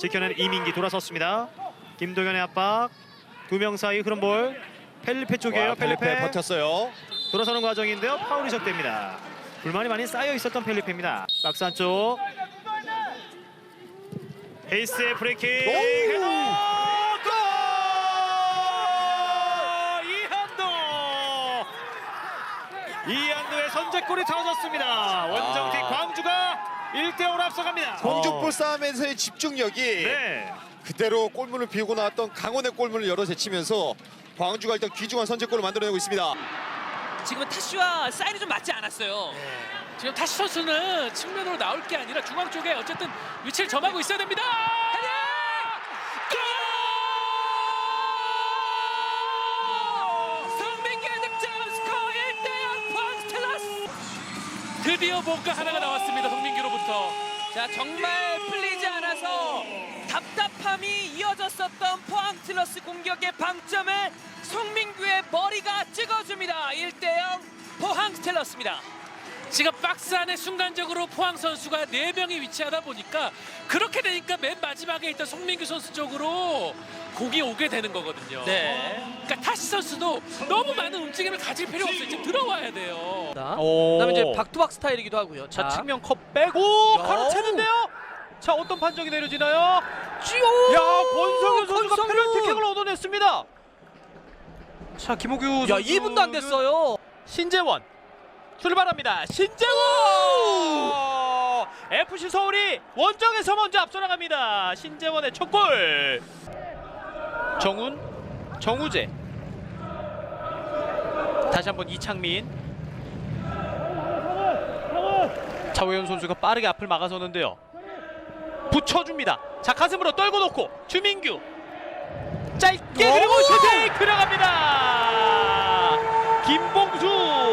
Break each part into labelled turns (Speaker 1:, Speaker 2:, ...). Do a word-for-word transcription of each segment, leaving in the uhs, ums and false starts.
Speaker 1: 지켜낸 이민기 돌아섰습니다. 김동현의 압박. 두 명 사이 흐름 볼. 펠리페 쪽이에요.
Speaker 2: 와, 펠리페
Speaker 1: 펠리페
Speaker 2: 버텼어요.
Speaker 1: 돌아서는 과정인데요. 파울이 적됩니다. 불만이 많이 쌓여 있었던 펠리페입니다. 박스 안쪽. 헤이스의 프리킥. 헤더! 골! 이한도! 이한도의 선제골이 터졌습니다. 원정팀
Speaker 2: 아.
Speaker 1: 광주가 일 대 오로 앞서갑니다.
Speaker 2: 공중볼
Speaker 1: 어.
Speaker 2: 싸움에서의 집중력이
Speaker 1: 네.
Speaker 2: 그대로 골문을 비우고 나왔던 강원의 골문을 열어 제치면서 광주가 일단 귀중한 선제골을 만들어내고 있습니다.
Speaker 3: 지금은 타슈와 사인이 좀 맞지 않았어요.
Speaker 4: 지금 타시 선수는 측면으로 나올 게 아니라 중앙 쪽에 어쨌든 위치를 점하고 있어야 됩니다. 골! 성민기의 득점 스코어 일 대 영 광스텔라스. 드디어 뭔가 하나가 나왔습니다. 성민기로부터.
Speaker 3: 자, 정말 풀리지 않아서 답답함이 이어졌었던 포항 스틸러스 공격의 방점을 송민규의 머리가 찍어줍니다. 일 대 영 포항 스틸러스입니다.
Speaker 4: 지금 박스 안에 순간적으로 포항 선수가 네 명이 위치하다 보니까 그렇게 되니까 맨 마지막에 있던 송민규 선수 쪽으로 공이 오게 되는 거거든요.
Speaker 3: 네.
Speaker 4: 그러니까 타시 선수도 너무 많은 움직임을 가질 필요 없어요. 지금 들어와야 돼요.
Speaker 3: 그다음에 이제 박투박 스타일이기도 하고요.
Speaker 1: 자,
Speaker 3: 자,
Speaker 1: 측면 컵 빼고
Speaker 3: 야.
Speaker 1: 가로채는데요. 자, 어떤 판정이 내려지나요?
Speaker 3: 쥐오!
Speaker 1: 야, 권성윤 선수가
Speaker 3: 권성윤!
Speaker 1: 페널티킥을 얻어냈습니다. 자, 김호규 선수.
Speaker 3: 야, 이 분도 안 됐어요.
Speaker 1: 신재원 출발합니다. 신재원! 에프씨 서울이 원정에서 먼저 앞서 나갑니다. 신재원의 첫 골. 정훈, 정우재. 다시 한번 이창민. 차우현 선수가 빠르게 앞을 막아서는데요. 붙여줍니다. 자, 가슴으로 떨고 놓고 주민규. 짧게
Speaker 3: 오!
Speaker 1: 그리고 슈팅 들어갑니다. 김봉수.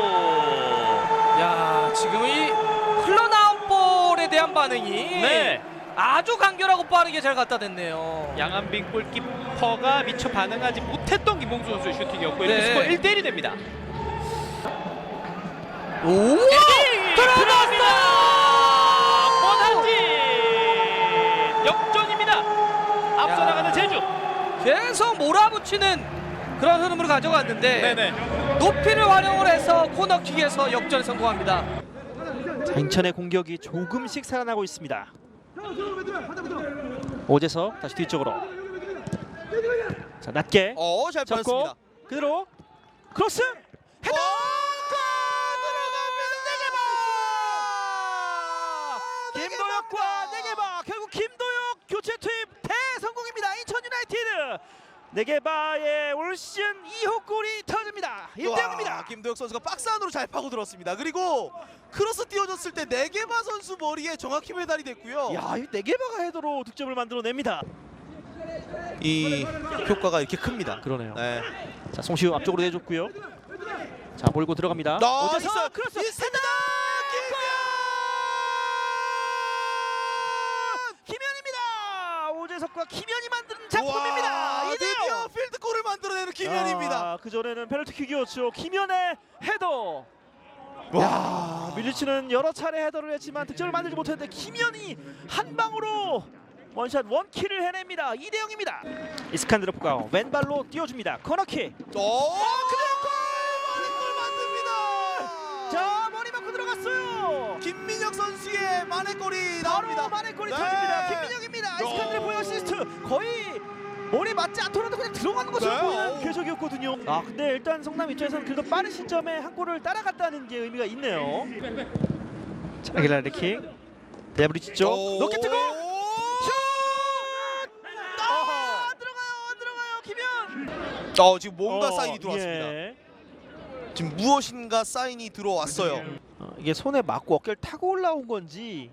Speaker 3: 야, 지금 이 흘러나온 볼에 대한 반응이
Speaker 1: 네.
Speaker 3: 아주 간결하고 빠르게 잘 갖다 댔네요.
Speaker 1: 양한빈 골키퍼가 미처 반응하지 못했던 김봉수 선수의 슈팅이었고 이렇게
Speaker 3: 네.
Speaker 1: 스코어 일 대 일이 됩니다.
Speaker 3: 오!
Speaker 1: 들어갑니다. 권한진 역전입니다. 앞서
Speaker 3: 야.
Speaker 1: 나가는 제주.
Speaker 3: 계속 몰아붙이는 그런 흐름으로 가져갔는데
Speaker 1: 네네.
Speaker 3: 높이를 활용을 해서 코너킥에서 역전에 성공합니다.
Speaker 1: 자, 인천의 공격이 조금씩 살아나고 있습니다. 오재석 다시 뒤쪽으로. 자, 낮게
Speaker 2: 어, 잘
Speaker 1: 잡고
Speaker 2: 빠졌습니다.
Speaker 1: 그대로 크로스 헤더. 김도혁과 네게바 결국 김도혁 교체 투입 대성공입니다. 인천 유나이티드 네게바의 올 시즌 이 호 골이 터집니다. 일 대 영입니다.
Speaker 5: 김도혁 선수가 박스 안으로 잘 파고 들었습니다. 그리고 크로스 띄워줬을 때 네게바 선수 머리에 정확히 배달이 됐고요.
Speaker 1: 야, 이 네게바가 헤더로 득점을 만들어냅니다.
Speaker 5: 이 효과가 이렇게 큽니다.
Speaker 1: 그러네요.
Speaker 5: 네.
Speaker 1: 자, 송시우 앞쪽으로 내줬고요. 자, 몰고 들어갑니다.
Speaker 5: 나
Speaker 1: 오재석
Speaker 5: 있어요.
Speaker 1: 크로스
Speaker 5: 있습니다.
Speaker 1: 김현입니다. 오재석과 김현이 만든
Speaker 5: 와,
Speaker 1: 작품입니다. 이 대 영.
Speaker 5: 드디어 필드골을 만들어내는 김현입니다.
Speaker 1: 아, 그 전에는 페널티킥이었죠. 김현의 헤더.
Speaker 5: 와,
Speaker 1: 야, 밀리치는 여러 차례 헤더를 했지만 득점을 만들지 못했는데 김현이 한 방으로 원샷 원킬을 해냅니다. 이 대 영입니다. 이스칸드로프가 왼발로 띄워줍니다. 코너킥.
Speaker 5: 오, 그대로 골! 만행골 만듭니다.
Speaker 1: 자, 머리 맞고 들어갔어요.
Speaker 5: 김민혁 선수의 만행골이
Speaker 1: 바로
Speaker 5: 나옵니다.
Speaker 1: 만행골이
Speaker 5: 네.
Speaker 1: 터집니다. 김민혁입니다. 이스칸드로프의 어시스트. 거의 머리 맞지 않더라도 그냥 들어가는 것으로
Speaker 5: 네.
Speaker 1: 보이는 궤적이었거든요. 아, 근데 일단 성남 입장에서는 그래도 빠른 시점에 한 골을 따라갔다는 게 의미가 있네요. 자, 아길라르 킥. 데브리치 쪽.
Speaker 5: 오.
Speaker 1: 높게 뜨고 슛!
Speaker 5: 아하.
Speaker 1: 안 들어가요. 안 들어가요. 김현.
Speaker 5: 어, 지금 뭔가
Speaker 1: 어,
Speaker 5: 사인이 들어왔습니다.
Speaker 1: 예.
Speaker 5: 지금 무엇인가 사인이 들어왔어요.
Speaker 1: 어, 이게 손에 맞고 어깨를 타고 올라온 건지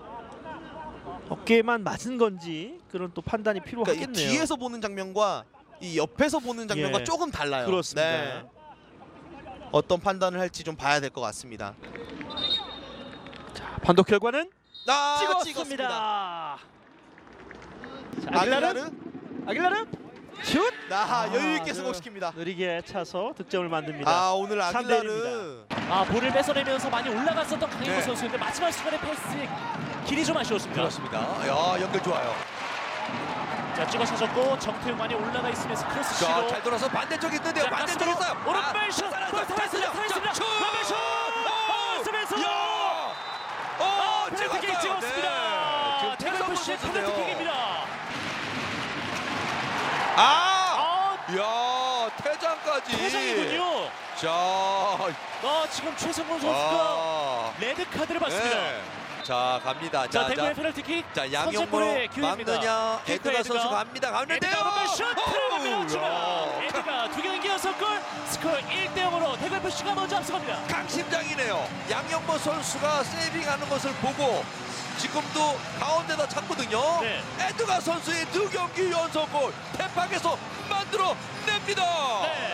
Speaker 1: 어깨만 맞은 건지 그런 또 판단이
Speaker 5: 그러니까 이
Speaker 1: 필요하겠네요.
Speaker 5: 뒤에서 보는 장면과 이 옆에서 보는 장면과
Speaker 1: 예.
Speaker 5: 조금 달라요.
Speaker 1: 그렇습니다.
Speaker 5: 네. 어떤 판단을 할지 좀 봐야 될 것 같습니다.
Speaker 1: 자, 판독 결과는
Speaker 5: 아,
Speaker 1: 찍었습니다.
Speaker 5: 찍었습니다.
Speaker 1: 자, 아길라르,
Speaker 5: 아길라르,
Speaker 1: 아길라르 슛!
Speaker 5: 나 여유 있게
Speaker 1: 아,
Speaker 5: 성공시킵니다.
Speaker 1: 느리게 차서 득점을 만듭니다.
Speaker 5: 아, 오늘
Speaker 1: 삼 대
Speaker 5: 아길라르
Speaker 4: 아, 볼을 뺏어내면서 많이 올라갔었던 강인호
Speaker 5: 네.
Speaker 4: 선수인데 마지막 순간에 패스 길이 좀 아쉬웠습니다.
Speaker 5: 그렇습니다. 야, 연결 좋아요.
Speaker 1: 자 찍어 차졌고 정태웅 많이 올라가 있으면서 크로스
Speaker 6: 자,
Speaker 1: 시도.
Speaker 6: 잘 돌아서 반대쪽 있는데요.
Speaker 1: 자,
Speaker 6: 반대쪽에
Speaker 1: 가슴으로
Speaker 6: 있어요.
Speaker 1: 오른발 슛.
Speaker 6: 살았어,
Speaker 1: 골 살았습니다. 살았습니다.
Speaker 6: 슛!
Speaker 1: 오른발 슛. 아, 쓰면서
Speaker 6: 야!
Speaker 1: 아,
Speaker 6: 어,
Speaker 1: 페널티킥
Speaker 6: 찍었어요.
Speaker 1: 찍었습니다.
Speaker 6: 네. 지금
Speaker 1: 대구에프씨
Speaker 6: 태상권
Speaker 1: 페널티킥입니다.
Speaker 6: 아!
Speaker 1: 아,
Speaker 6: 야, 퇴장까지.
Speaker 1: 퇴장이군요.
Speaker 6: 자,
Speaker 1: 아, 지금 최성곤 선수가
Speaker 6: 아.
Speaker 1: 레드 카드를 받습니다.
Speaker 6: 네. 자, 갑니다.
Speaker 1: 자,
Speaker 6: 자,
Speaker 1: 대구의
Speaker 6: 자.
Speaker 1: 페널티킥.
Speaker 6: 자, 양용으로
Speaker 1: 선제골의 기회입니다.
Speaker 6: 막느냐.
Speaker 1: 킥과
Speaker 6: 에드가
Speaker 1: 에드가.
Speaker 6: 선수 갑니다. 가는데요.
Speaker 1: 에드가 오른발 슛 들어갑니다.
Speaker 6: 야.
Speaker 1: 에드가 두 경기 연속 골. 스코어 일 대 영으로 대구에프씨가 먼저 앞서갑니다.
Speaker 6: 강심장이네요. 양영모 선수가 세이빙하는 것을 보고 지금도 가운데다 찼거든요.
Speaker 1: 네.
Speaker 6: 에드가 선수의 두 경기 연속골 대팍에서 만들어냅니다.
Speaker 1: 네.